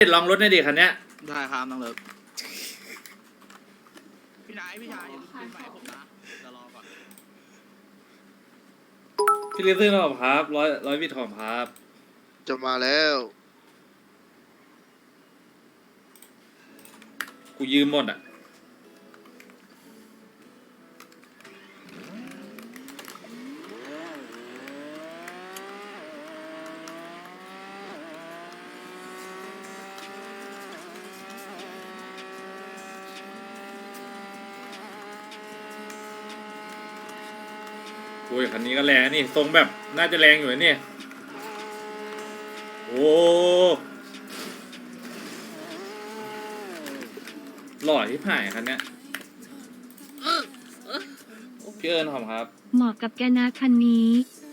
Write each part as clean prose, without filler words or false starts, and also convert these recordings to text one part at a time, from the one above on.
ลองรถในอยดิคันเนี้ยได้ครับน้องเลิฟพี่ชายอย่าขึ้นไปผมนะจะรอก่อนพี่ลิฟต์ซื้อหอมครับร้อยวิทหอมครับจะมาแล้วกูยืมหมดอ่ะโอ้ยคันนี้ก็แรงนี่ทรงแบบน่าจะแรงอยู่นะเนี่ยโอ้หล่อที่ผ่ายคันเนี้ยพี่เอิญหอมครับเหมาะกับแกนะคันนี้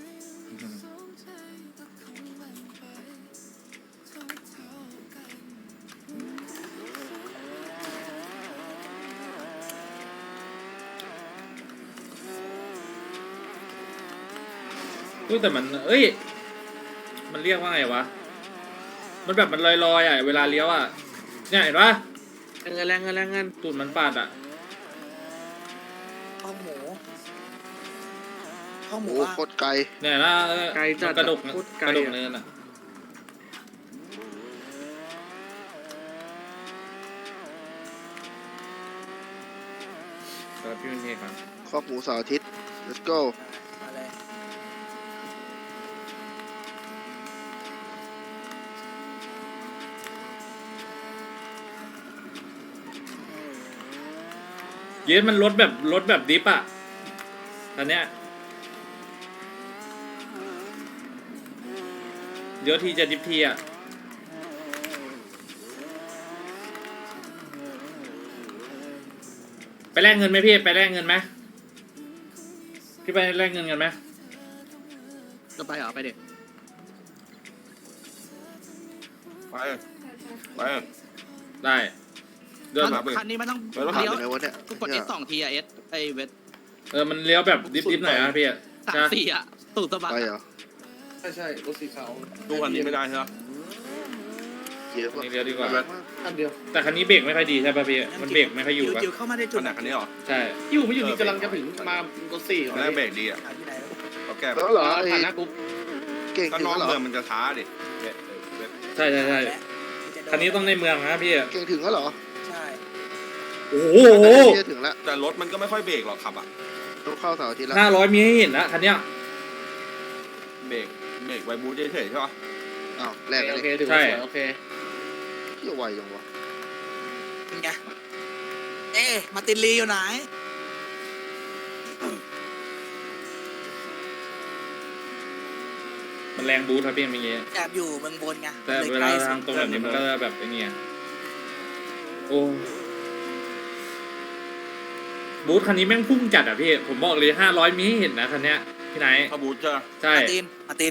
อุ้ยแต่มันเอ้ยมันเรียกว่าไงวะมันแบบมันลอยๆอ่ะเวลาเลี้ยวอ่ะเนี่ยเห็นปะแรงเงินตูดมันปาดอ่ะข้าวหมูโอ้โหโคตรไกลเนี่ยนะมันกระดกนะกระดกเนินอ่ะครับพี่เป็นเทครับคอกหมูเสาร์อาทิตย์ let's go เย็นมันรถแบบดิฟอ่ะตอนเนี้ยเดี๋ยวทีจะดิฟทีอ่ะไปแลกเงินไหมพี่ไปแลกเงินไหมพี่ไปแลกเงินกันไหมจะไปเหรอไปเด็กไปไปได้เดินมาคันนี้มันต้องไปรถผ่านเลี้ยวไปไหนวะเนี่ยกด S 2 ทีอะ S ไอเวทมันเลี้ยวแบบดิฟหน่อยนะพี่ 3 4อะตูดสะบัดไปเหรอใช่รถสีขาวดูคันนี้ไม่ได้ใช่ไหมเยอะนี่เลี้ยวดีกว่าอันเดียวแต่คันนี้เบรกไม่ค่อยดีใช่ป่ะพี่มันเบรกไม่ค่อยอยู่ป่ะจิ๋วเข้ามาได้จุขดนาดคันนี้เหรอใช่อยู่ไม่อยู่นี่กำลังจะถึงมารถสี่ตอนแรกเบรกดีอ่ะเราแก้แล้วเหรอไอ้ผ่านหน้ากุ๊บเก่งก็ถึงนอกแล้วเหรเมือองมันจะช้าดิใช่คันนี้ต้องในเมืองนะพี่เก่งถึงแล้วเหรอโอ้โหเที่ถึงแล้วแต่รถมันก็ไม่ค่อยเบรกหรอกขับอ่ะต้องเข้าเสาร์อาทิตย์แล้ว 500มีให้เห็นนะคันเนี้ยเบรกไวบูทเฉยๆใช่ปะอ้าวแรกกันโอเลยเคถือว่าสวยโอเคเที่ยวไวจังวะไงมาตินลีอยู่ไหนมันแรงบูทครับพี่เมื่อกี้แอบอยู่เมืองบนไงแต่เวลาทางตรงแบบนี้มันก็จะแบบไอ้นี่โอ้บูทคันนี้แม่งพุ่งจัดอ่ะพี่ผมบอกเลย500มีให้เห็นนะคันเนี้ยพี่ไหนถ้าบูทจะใช่มาติน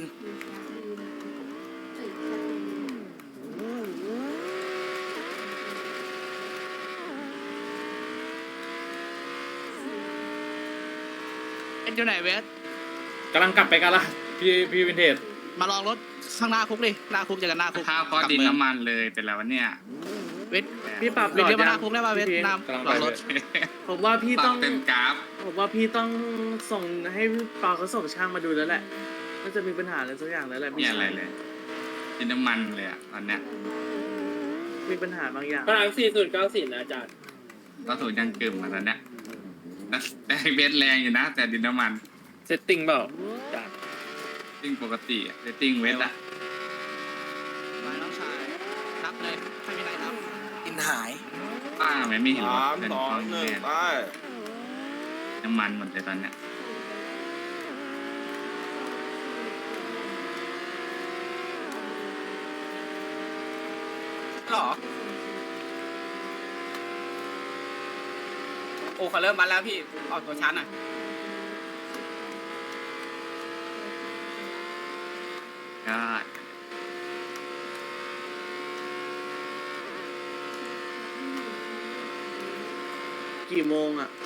อยู่ไหนเวทกำลังกลับไปกันละพี่วินเทจมาลองรถข้างหน้าคุกดิหน้าคุกเจอกันหน้าคุกข้าวก็ดินน้ำมันเลยเป็นแล้วเนี่ยเวทพี่ปรับเวทเรียกมาหน้าคุกได้ป่ะเวทน้ำกำลังลไปองรถผมว่าพี่ปรัต้บองเต็มกราฟผมว่าพี่ต้องส่งให้ปาเขาส่งช่างมาดูแล้วแหละน่าจะมีปัญหาอะไรสักอย่างแล้วแหละเนี่ยอะไรเลยดินน้ำมันเลยอ่ะตอนเนี้ยมีปัญหาบางอย่างพลัง4094นะอาจารย์ก็ถูกยังกึ่มมาตอนเนี้ยแต่เบสแรงอยู่นะ แต่ดินน้ำมันเซตติ้งเปล่าอาจารย์ติ้งปกติอะติ้งเวทอะมาน้องชายนับเลยไม่มีไหนนับอินหายป้าไม่เห็นรถสามเป็นสองฟองหนึ่งแทนไปน้ำมันหมดเลยตอนเนี้ยหรอโอ้เขาเริ่มมาแล้วพี่ออกตัวชั้นอ่ะก็กี่โมงอ่ะ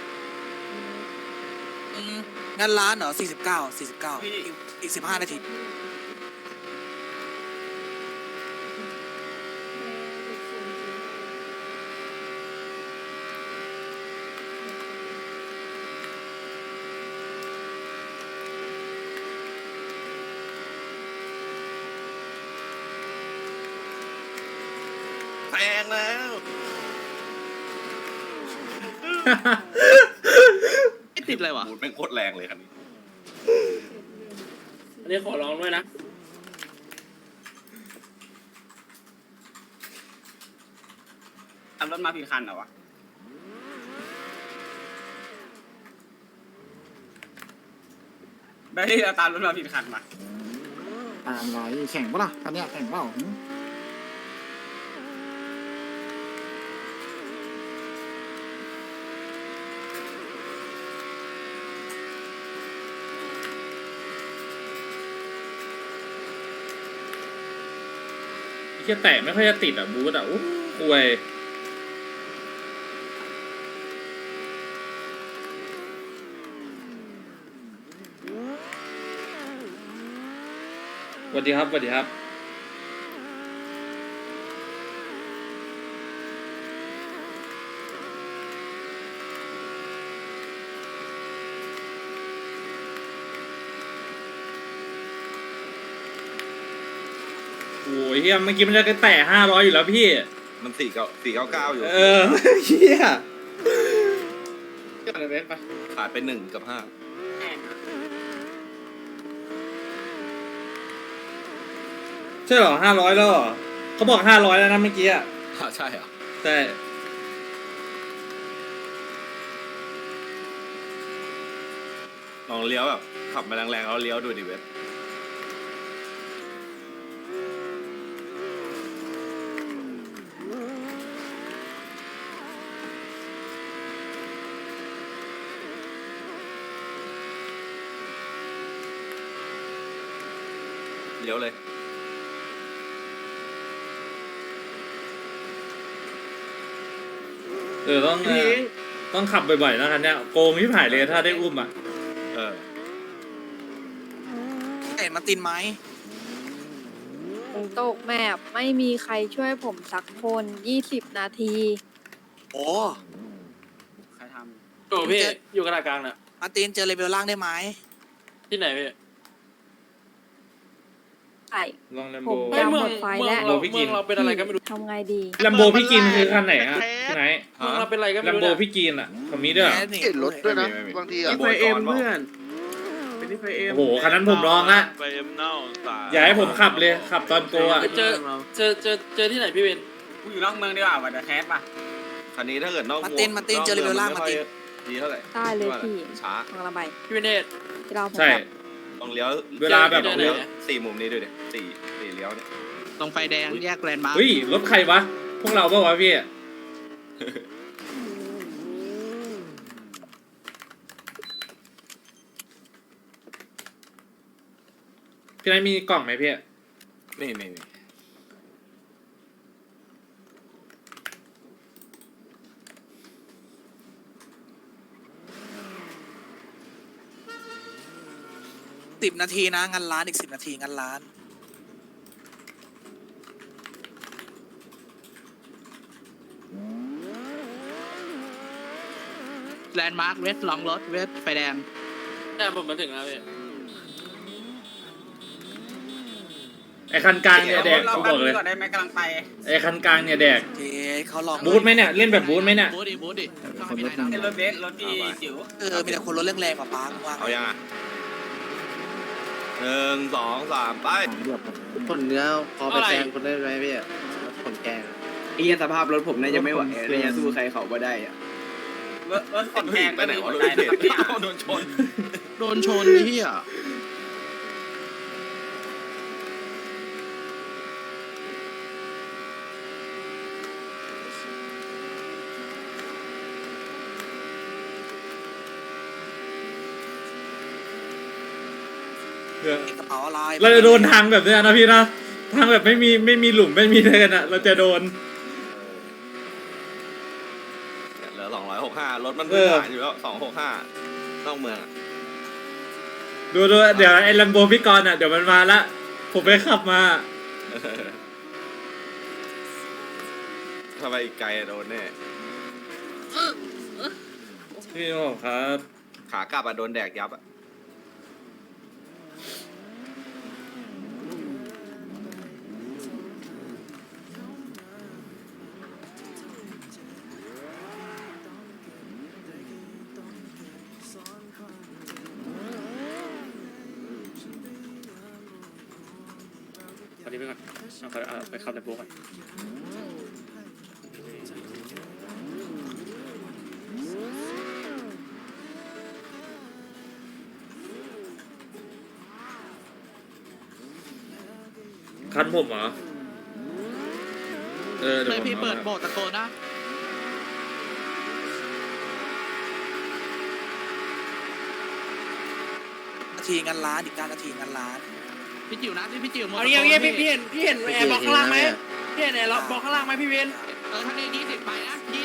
งั้นร้านเหรอ49อีก15 นาทีแพงแล้วไม่ติดเลยวะบูดแม่งโคตรแรงเลยคันนี้อันนี้ขอร้องด้วยนะทำรถมาผิดคันเหรอวะได้เราตามรถมาผิดคันมาอะไรแข่งปะล่ะคันเนี้ยแข่งเปล่าแค่แตะไม่ค่อยจะติดอ่ะบูธอ่ะอู้อวยสวัสดีครับสวัสดีครับโอ้ยเฮียเมื่อกี้มันจะแตะ500อยู่แล้วพี่มัน499อยู่เออเฮียอะไรเบสไปขาดไป1 กับ 5 ใช่เหรอ500แล้วเหรอเขาบอก500แล้วนะเมื่อกี้อ่ะใช่เหรอใช่ลองเลี้ยวแบบขับมาแรงๆแล้วเลี้ยวดูดิเว็บเลี้ยวเลยต้องขับบ่อยๆนะคันเนี้ยโกงที่ผ่ายเลยถ้าได้อุ้มอ่ะเออเอ็นมาตินไหมผมตกแมปไม่มีใครช่วยผมสักคน20 นาทีโอ้ใครทโอ้พี่อยู่กระดาษกลางน่ะำมาตินเจอเลเวลล่างได้ไหมที่ไหนพี่ไอ้ลองแลมผโบมเฮ้ยยาวเมืหองมดไฟเมืองแล้วเราพี่กิเมือน งเราเป็นอะไรก็ไม่รู้ทำไงดีแลมโบพี่กินคือคันไหนฮะที่ไหนเมืองเราเป็นอะไรก็แลไม่มรู้โบเนี่ยพี่กินอ่ะคำนี้ด้วยเหรอเห็นรถด้วยนะไม่มีบางทีอ่ะนี่ไฟเอ็มเพื่อนเป็นนี่ไฟเอ็มโอ้โหคันนั้นผมลองละไปเอ็มเน่าตายอย่าให้ผมขับเลยขับตอนโกอ่ะเจอที่ไหนพี่เวนกูอยู่นอกเมืองดีกว่าวันเดอร์แคสป่ะคันนี้ถ้าเกิดนอกมาร์ตินมาร์ตินเจอเลเวลล่างมาร์ตินดีเท่าไหร่ได้เลยพี่ช้าทางระบายพี่เวนเนตที่เราผมใช่แบบต้องเลี้ยวเวลาแบบต้องเลี้ยว4 มุมนี้ด้วยดิสี่เลี้ยวเนี่ยตรงไฟแดงแยกแลนด์มาร์คเฮ้ยรถใครวะพวกเราเปล่าวะพี่พี่นายมีกล่องไหมพี่นี่ 10 นาทีนะงานร้านอีก10 นาทีงานร้านแลนด์มาร์คเวสลองรถเวสไฟแดงแต่ผมมาถึงแล้วพี่ไอคันกลางเนี่ยแดกกูบอกเลยก่อนได้ไหมกำลังไปไอคันกลางเนี่ยแดกเจเขาลองบูธไหมเนี่ยเล่นแบบบูธไหมเนี่ยบูธดิคนรถนั่งรถเบสรถที่จิ๋วมีแต่คนรถแรงๆกว่าป้ามึงว่าเอายังอ่ะ1 2 3ไปเรียบผมผลเนื้อพอไปแซงคนได้ไหมพี่ผลแกงไอ้สภาพรถผมเนี่ยยังไม่ไหวเลยยังสู้ใครเขาไม่ได้อะรถขนแกงไปไหนวะรถได้เด็นะครับดโดนชนโดนชนนี่อ่ะกระเป๋าอะไรเราจะโดนทางแบบเนี้ยนะพี่นะทางแบบไม่มีหลุมไม่มีเนินอ่ะเราจะโดนเหลือ265รถมันพื้นฐานอยู่แล้ว265นอกเมืองอะดูเดี๋ยวไอ้ลัมโบพี่กรณ์อ่ะเดี๋ยวมันมาละผมไปขับมาถ้าไปอีกไกลอะโดนแน่พี่บอกครับขากลับอะโดนแดกยับอะนี้ไปก่อนเอาไปขับแต่โบก่อนคันผมเหรอเดี๋เลยวยพี่ผมเปิดโบสตะโกนนะนาทีงันล้านอีก9 นาทีงันล้านพี่จิ๋วนะพี่จิ๋วเอาอย่างเงี้ยพี่เห็นแอร์บล็อกข้างล่างไหมพี่เห็นแอร์บล็อกข้างล่างไหมพี่เวนถ้าได้20ไปนะ20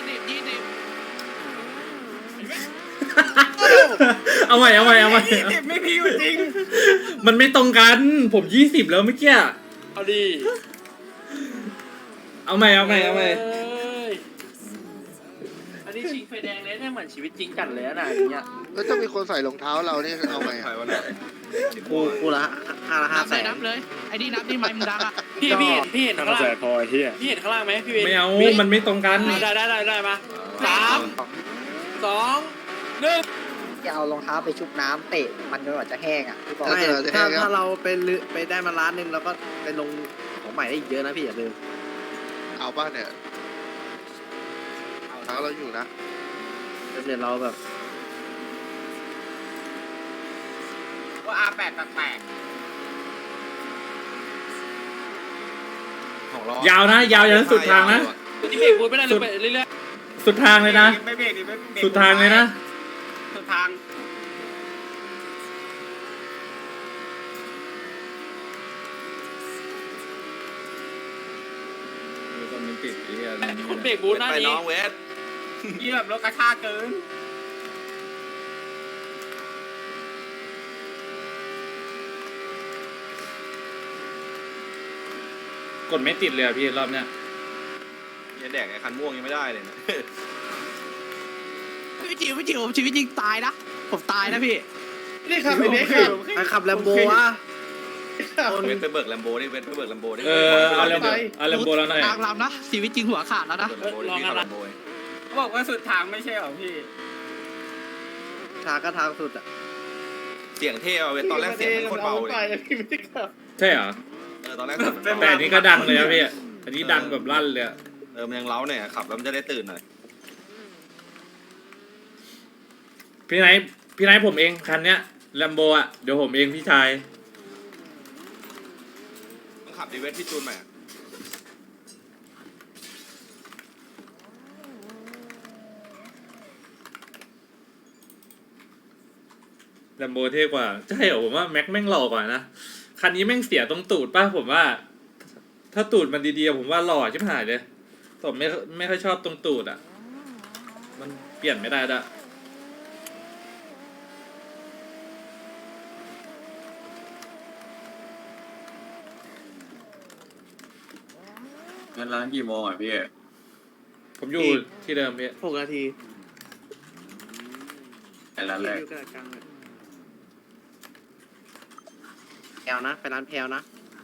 เอาใหม่ไม่พี่จริงมันไม่ตรงกันผม20แล้วเมื่อกี้เอาดีเอาใหม่เอ้ยอันนี้ชิงไฟแดงเลยเนี่ยเหมือนชีวิตจริงจัดเลยนะอย่างเงี้ยแล้วถ้ามีคนใส่รองเท้าเรานี่เอาไงใครอะวะเนี่ยกูละ500,000 นับเลยไอ้นี่นับนี่ไม้มึงดังอ่ะพี่เห็นข้างล่างพี่เห็นข้างล่างไหมพี่เวนไม่เอามันไม่ตรงกันได้มา3 2 1 จะเอารองเท้าไปชุบน้ำเตะมันจนกว่าจะแห้งอ่ะพี่บอกไม่ถ้าเราไปได้มาล้านหนึ่งเราก็ไปลงของใหม่ได้อีกเยอะนะพี่อย่าลืมเอาป่ะเนี่ยเท้าเราอยู่นะเดี๋ยวเราแบบว่าR8 แปลกของเรายาวนะยาวยันสุดทางนะที่เบรกบูทไม่ได้เลยไปเรื่อยสุดทางเลยนะไม่เบรกดิไม่เบรกสุดทางเลยนะสุดทางคุณเบรกบูทหน้าไปนี้น้องเวสนี่แบบรถกระชากเกินกดไม่ติดเลยอะพี่รอบเนี้ยยังแดกไอ้คันม่วงยังไม่ได้เลยนะพี่จิ๋วชีวิตจริงตายนะผมตายนะพี่นี่ขับไปเบสขับแลมโบวะเวสไปเบิกแลมโบดิเวสไปเบิกแลมโบดิเอาเรมโบแล้วหน่อยทางลำนะชีวิตจริงหัวขาดแล้วนะเบิกแลมโบดิพี่ขับแลมโบบอกว่าสุดทางไม่ใช่หรอพี่ทางก็ทางสุดอ่ะเสียงเท่อะเวสตอนแรกเสียงมันโคตรเบาเลยใช่เหรอตอนแรกเสียงมันแต่เบาอันนี้ก็ดังเลยนะพี่อันนี้ดังแบบลั่นเลยอะมันยังเล้าเนี่ยขับแล้วมันจะได้ตื่นหน่อยพี่ไนท์ผมเองคันเนี้ยแลมโบอะเดี๋ยวผมเองพี่ชายต้องขับดีเวสพี่จูนใหม่อะแลมโบเท่กว่าใช่เหรอผมว่าแม็กแม่งหล่อกว่านะคันนี้แม่งเสียตรงตูดป่ะผมว่า ถ้าตูดมันดีๆผมว่าหล่อชิบหายเลยผมไม่ค่อยชอบตรงตูดอ่ะมันเปลี่ยนไม่ได้ด้วยงั้นร้านกี่โมงอ่ะพี่ผมอยู่ที่เดิมพี่ 6 นาทีไอ้ร้านแรกอยู่กระดาษกลางเลยแพลวนะไปร้านแพลวนะ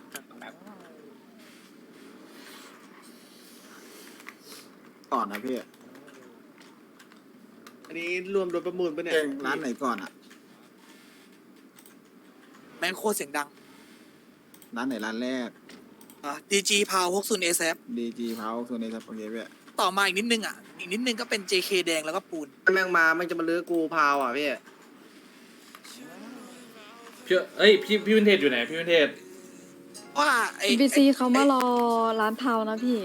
ก่อนนะพี่อันนี้รวมรถประมูลปะเนี่ยร้านไหนก่อนอ่ะแม่งโคตรเสียงดังร้านไหนร้านแรก DG พาว60 SF DG เพาโซนนี้ครับโอเคพี่ต่อมาอีกนิดนึงอ่ะอีกนิดนึงก็เป็น JK แดงแล้วก็ปูนแม่งมามันจะมาลื้อกูพาวอ่ะพี่พี่วินเทจอยู่ไหนพี่วินเทจว่าไอ้บีซีเขามารอร้านเผานะพี่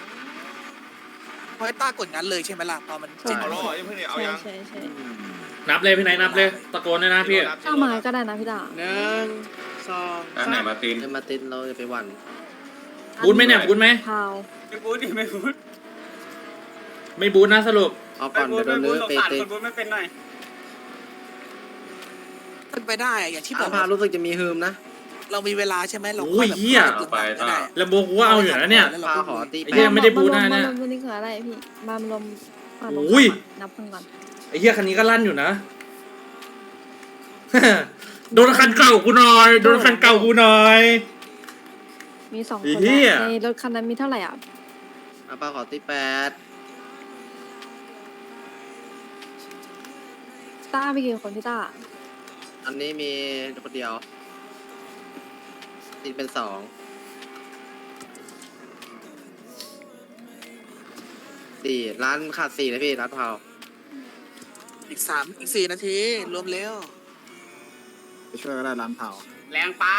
พอยต้ากดงั้นเลยใช่ไหมล่ะตอนมันใช่เอาล้อยังเพิ่งเนี่ยเอาใช่ยังใช่ใช่นับเลยพี่ไนท์นับเลยตะโกนด้วยนะพี่เข้ามาก็ได้นะพี่ดา 1 2 ร้านไหนมาตินเดินมาตินเราจะไปหวันบูทไหมเนี่ยบูทไหมเผาไม่พูดดิไม่พูดไม่บูทนะสรุปเอาก่อนเดี๋ยวโดนลื้อไปเตะเป็นไปได้อะอย่างที่บอาอกพารู้สึกจะมีฮืมนะเรามีเวลาใช่ไหมเราโอ้ยเหี้ยตึกก็ได้แลมโบกูว่าเอาอยู่นะเนี่ยพาขอตีไอ้เหี้ยไม่ได้บูทนะมาเนี่ยรวมวันนี้คืออะไรพี่มารวมมาลงอุ้ยนับกันก่อนไอ้เหี้ยคันนี้ก็ลั่นอยู่นะ โดนคันเก่ากูหน่อยโดนคันเก่ากูหน่อยมี2 ไอ้คนเหี้ยในรถคันนั้นมีเท่าไหร่อ่ะอาพาขอตี8 ต้าไปกี่คนพี่ต้าอันนี้มีคนเดียวตีเป็น2 4ร้านขาด4เลยพี่ร้านเผาอีก4 นาทีรวมเร็วไปช่วยก็ได้ร้านเผาแรงไป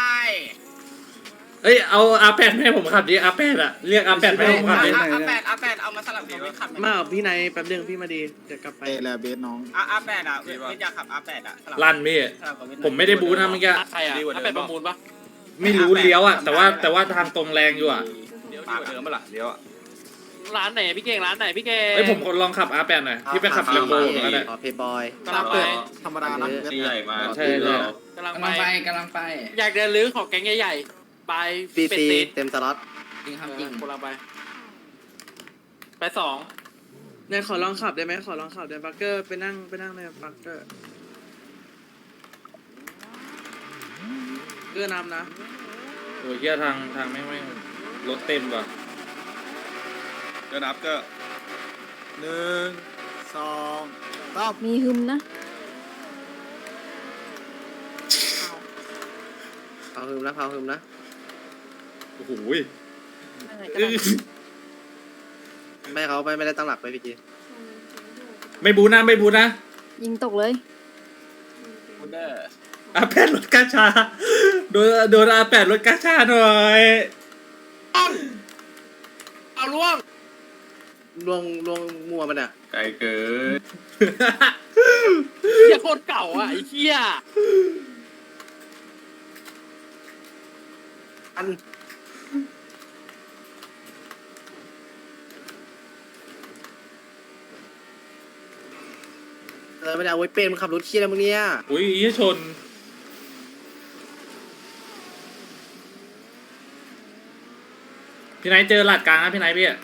เอ้ยเอาR8ให้ผมขับดิR8อ่ะเรียกR8ให้ผมขับดิอา8เอามาสลับกับพี่ขับมาพี่นายแป๊บเดียวพี่มาดีเดี๋ยวกลับไปเตะแล้วเบสน้องอา8อ่ะพี่อยากขับอา8อ่ะลั่นพี่ผมไม่ได้บูนะเมื่อกี้ใครอ่ะถ้าเป็นประมูลปะไม่รู้เลี้ยวอ่ะแต่ว่าทางตรงแรงอยู่อ่ะเดี๋ยวดีกว่าเดิมปะล่ะเดี๋ยวอะร้านไหนพี่เก่งร้านไหนพี่เก่งเอ้ยผมลองขับR8หน่อยพี่ไปขับเลมโบก็ได้เพย์บอยกำลังไปธรรมดานะเบสใหญ่มาใช่เลยกำลังกำไปลังไปกำลังไปอยากเดินลื้อของแก๊งใหญ่ๆไปปีเป็ดซีตีเต็มสล็อตจริงครับจริงกำลังไปสองนายขอลองขับได้ไหมขอลองขับได้บักเกอร์ไปนั่งในบักเกอร์เกือนำนะโอ้ยเหี้ยทางไม่รถเต็มว่ะเดี๋ยวนับก็ 1 2 3 มีหึมนะเผาหืมนะโอ้โหไปไหนก็ได้ไม่เขาไม่ได้ตั้งหลักไปพี่จีไม่บูนะยิงตกเลย R8รถกาชาโดนR8รถกาชาหน่อยเอาล่วงลวงมัวมันอ่ะไกลเกินเหี้ยโคตรเก่าอ่ะไอ้เหี้ยอันไม่ได้เอาไว้เป็นมันขับรถเคี้ยอะไรมึงเนี่ยอุ้ยชนพี่ไนท์เจอหลัดกลางนะพี่ไนท์พี่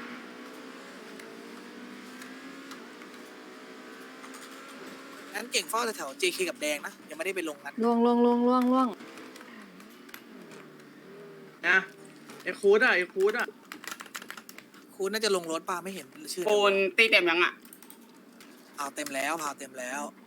งั้นเก่งเฝ้าแถว JK กับแดงนะยังไม่ได้ไปลงนั้นล่วงนะไอ้คูดอ่ะคูดน่าจะลงรถป่ะไม่เห็นชื่อปูนตีเต็มยังอ่ะพาวเต็มแล้ว